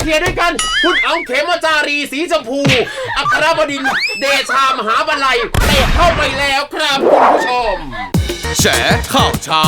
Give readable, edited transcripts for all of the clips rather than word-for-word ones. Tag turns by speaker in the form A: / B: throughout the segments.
A: ลียร์ด้วยกันคุณอ๋องเขมจารีสีชมพูอัครบดินทร์เดชามหาบัลลัยเตะเข้าไปแล้วครับคุณผู้ชม
B: แฉข่าวเช้า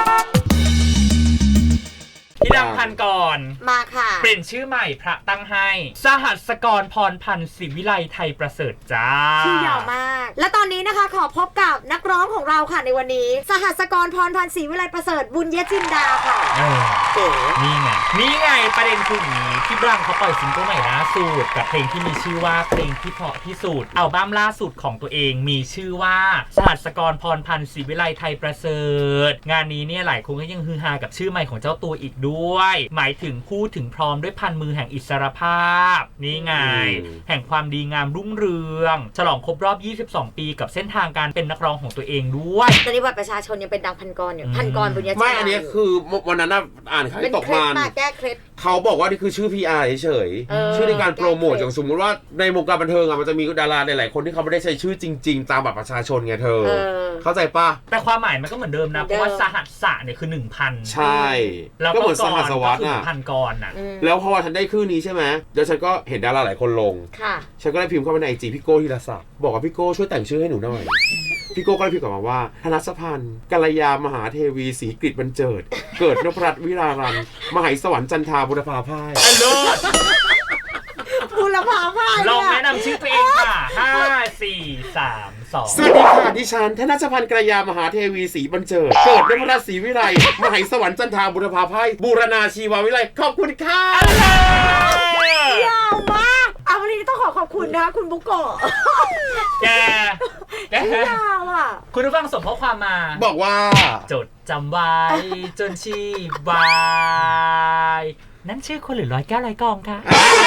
C: พี่ดังพันก่อน
D: มาค่ะ
C: เปลี่ยนชื่อใหม่พระตั้งให้สหัสกรพรพันธ์ศิวิไลไทยประเสริฐจ้า
D: ชื่อยาวมากและตอนนี้นะคะขอพบกับนักร้องของเราค่ะในวันนี้สหัสกรพรพันธ์ศิวิไลประเสริฐบุญยจินดาค่ะ
C: นี่ไงประเด็นคืออย่างนี้พี่ดังเขาปล่อยซิงเกิลใหม่ล่าสุดกับเพลงที่มีชื่อว่าเพลงที่เพราะที่สุดอัลบั้มล่าสุดของตัวเองมีชื่อว่าสหัสกรพรพันธ์ศิวิไลไทยประเสริฐงานนี้เนี่ยหลายคนก็ยังฮือฮากับชื่อใหม่ของเจ้าตัวอีกด้วยหมายถึงพูดถึงพร้อมด้วยพันมือแห่งอิสรภาพนี่ไงแห่งความดีงามรุ่งเรืองฉลองครบรอบ22ปีกับเส้นทางการเป็นนักร้องของตัวเองด้วย
D: ตอนนี้บัตรประชาชนยังเป็นดังพันกรอยู่พันกรบุญญาจินดา
A: ไม่อันนี้คือวันนั้นอ่านข่าวตกมัน
D: แก้เคล็ด
A: เขาบอกว่านี่คือชื่อ PR เฉยๆชื่อในการโปรโมทอย่างสมมุติว่าในวงการบันเทิงมันจะมีดาราหลายๆคนที่เขาไม่ได้ใช้ชื่อจริงๆตามบัตรประชาชนไงเธอเข้าใจปะ
C: แต่ความหมายมันก็เหมือนเดิมนะเพราะว่าสหัสสะเนี่ยคือ 1,000
A: ใช่แล้วก็เหมือนสหัสวัตร
C: น่ะพันกรน่ะ
A: แล้วพอฉันได้ชื่อนี้ใช่ไหมเดี๋ยวฉันก็เห็นดาราหลายคนลงฉันก็ได้พิมพ์เข้าไปใน IG พี่โก้ธีรศักดิ์บอกว่าพี่โก้ช่วยแต่งชื่อให้หนูหน่อยพี่โก้ก็ได้พิมพ์กลับมาว่าธนชพันธ์กัลยามหาเทวีศรีกฤษบรรเจิดเกิดนพรัตน์วิรารันมหาสวรรค์จันทาบุรพาพ่าย
D: บุรพาพ่าย
C: ลองแนะนำชื่อตัวเองค่ะ5 4 3 2
A: สวัสดีค่ะดิฉันธนชพันธ์กัลยามหาเทวีศรีบรรเจิดเกิดนพรัตน์ศรีวิไลมหาสวรรค์จันทาบุรพาพ่ายบูรณาชีววิไลขอบคุณค่ะ
D: ยาวมากวันนี้ต้องขอบคุณนะคุณบุโกะ
C: แก
D: ยาวอ่ะ
C: คุณผู้ฟังส่งข้อความมา
A: บอกว่า
C: จดจำไว้จนชีวายนั่นชื่อคนหรือร้อยแก้วร้อยกองคะ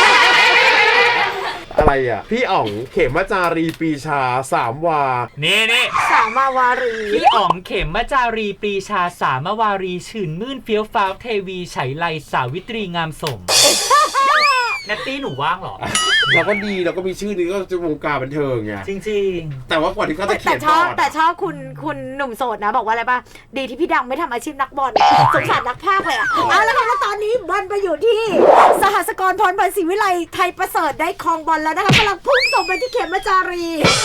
A: อะไรอ่ะพี่อ๋องเขมจารีปีชา3วา
C: นี่
D: สามาวารี
C: พี่อ๋องเขมจารีปรีชาสามวารีชื่นมื่นเฟี้ยวฟ้าวเทวีไฉไลสาวิตรีงามสมนัตตี้หนูว่างหรอ
A: เราก็ดีเราก็มีชื่อนี้ก็จะวงการบันเทิงไง
C: จริง
A: ๆแต่ว่ากว่าที่เขาจะเขียน
D: แต่ชอบคุณหนุ่มโสดนะบอกว่าอะไรป่ะดีที่พี่ดังไม่ทำอาชีพนักบอลสงสารนักพากย์เลยแล้วค่ะแล้วตอนนี้บอลไปอยู่ที่สหัสกรพรพันธ์ศิวิไลไทยประเสริฐได้ครองบอลแล้วนะคะกำลังพุ่งส่งไปที่เขมจารี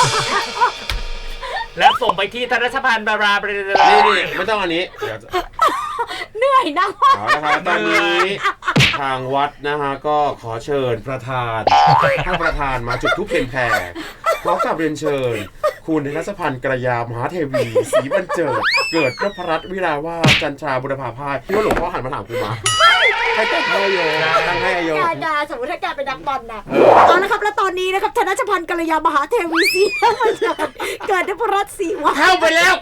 C: แล้วส่งไปที่ธนชพันธ์บารา
A: นี่ไม่ต้องอันนี้
D: เหนื่อยนะ
A: นะครับตอนนี้ทางวัดนะฮะก็ขอเชิญประธานท่านประธานมาจุดธูปเทียนแผ่พร้อมกับเรียนเชิญคุณธนชพันธ์กัลยามหาเทวีศรีบรรเจิดเกิดนพรัตน์วิราวาสจันทราบุรพาพ่ายพี่ว่าหลวงพ่อหันมาถามกูมาให้แต่งให้โยตั้งให้โย
D: ดาสมมติถ้าแกเป็นนักบอลนะนะครับแล้วตอนนี้นะครับธนชพันธ์กัลยามหาเทวีศรีบรรเจิดเกิดนพรัตน์ศรีวาส
A: เข้าไปแล้ว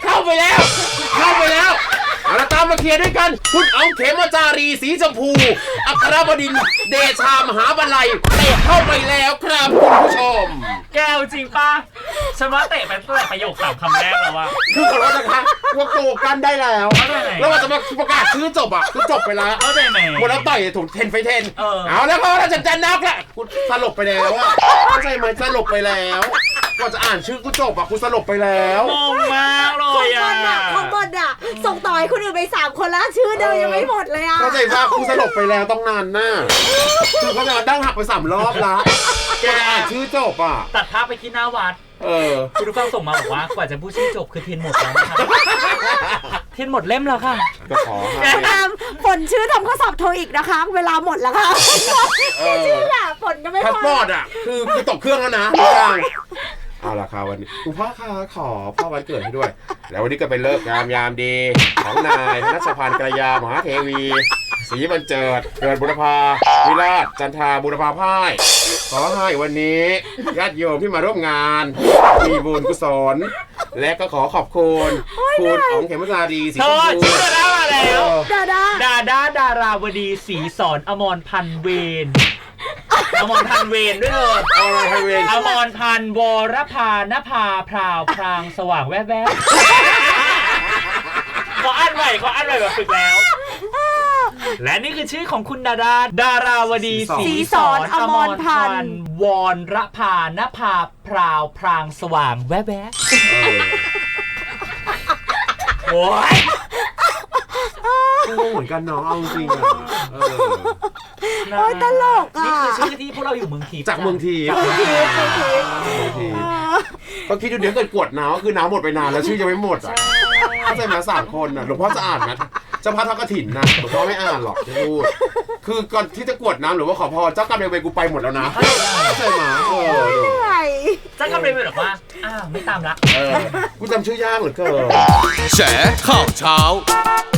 A: เราตามมาเคลียร์ด้วยกันคุณอ๋องเขมจารีสีชมพูอัครบดินทร์เดชามหาบัลลัยเตะเข้าไปแล้วครับคุณผู้ชม
C: แก้วจริงป่ะฉันว่าเตะไปตั้งแต่ประโยค3 คำแรกแล้วว่า
A: คือขอโทษนะคะว่าโตกันได้แล้วแล้วว่าจะมาประกาศชื่อจบคือจบไปแล้ว
C: เข้าใจไหม
A: หมดแล้วต่อยถูก10 ไฟ 10เอาแล้วก็เราจะนักแหละคุณสลบไปแล้วเข้าใจไหมสลบไปแล้วกว่าจะอ่านชื่อกูจบคุณสลบไปแล้ว
C: งงมากเลย
D: ของบอลส่งต่อให้คนอื่นไป3 คนแล้วชื่อเดิมยังไม่หมดเลย
A: เข้าใจป่ะกูสลบไปแล้วต้องนานน่ะคือเขาจะดั้งหักไป3 รอบละแกอ่านชื่อจบ
C: ตัดภาพไปที่หน้าวัดคุณผู้ฟังส่งมาบอกว่ากว่าจะพูดชื่อจบคือเทียนหมดแล้วนะครับเทียนหมดเล่มแล้วค่ะ
A: ก็ขอ
D: ฝนชื่อทำข้อสอบโทอีกนะคะเวลาหมดแล้วค่ะชื่อฝนก็ไม่พอ
A: พาสปอร์ตคือตกเครื่องแล้วนะเอาล่ะครับวันนี้คุณพ่อคะขอพ่อวันเกิดให้ด้วยแล้ววันนี้ก็เป็นเลิกงามยามดีของนายธนชพันธ์กัลยามหาเทวีศรีบรรเจิดเกิดบุรพาวิราชจันทาบุรพาพ่ายขอให้วันนี้ญาติโยมที่มาร่วมงานมีบุญกุศลและก็ขอขอบคุณคุณอ๋องเขมจารีศรีชมพู
C: ชื่อดาราแล้วดาราวดีศรีสอนอมรพันธ์เวนอมรพันธ์เวนด้วยเลยอมรพันธ์วรพานภาพราวพรางสว่างแวบขออ่านใหม่แบบฝึกแล้วและนี่คือชื่อของคุณดาราวดีศรีสอนอมรพันธ์วรพานภาพราวพรางสว่างแวบโอ้ย
A: ก็งงเหมือนกันเนาะเอาจริง
C: นะ
D: โอ้ยตลกอ่ะ
C: นี่คือชื่อที่พวกเราอยู่เมืองทิพย์
A: จากเมืองที
D: เมืองทิพย์
A: ก็คิดดูเดี๋ยวเกิดกวดน้ำก็คือน้ำหมดไปนานแล้วชื่อยังไม่หมดอ่ะเข้าใจไหม3 คนอ่ะหลวงพ่อจะอ่านไหมเจ้าพระทอดกฐินนะหลวงพ่อไม่อ่านหรอกจะพูดคือก่อนที่จะกวดน้ำหรือว่าขอพรเจ้ากรรมนายเวรกูไปหมดแล้วนะเข้าใจไหมดู
D: เหนื่อย
C: เจ้ากำลังเป็นแบบว่าอ้าวไม่ตามละ
A: กูจำชื่อยากเหลือเกิน
B: แฉข่าวเช้า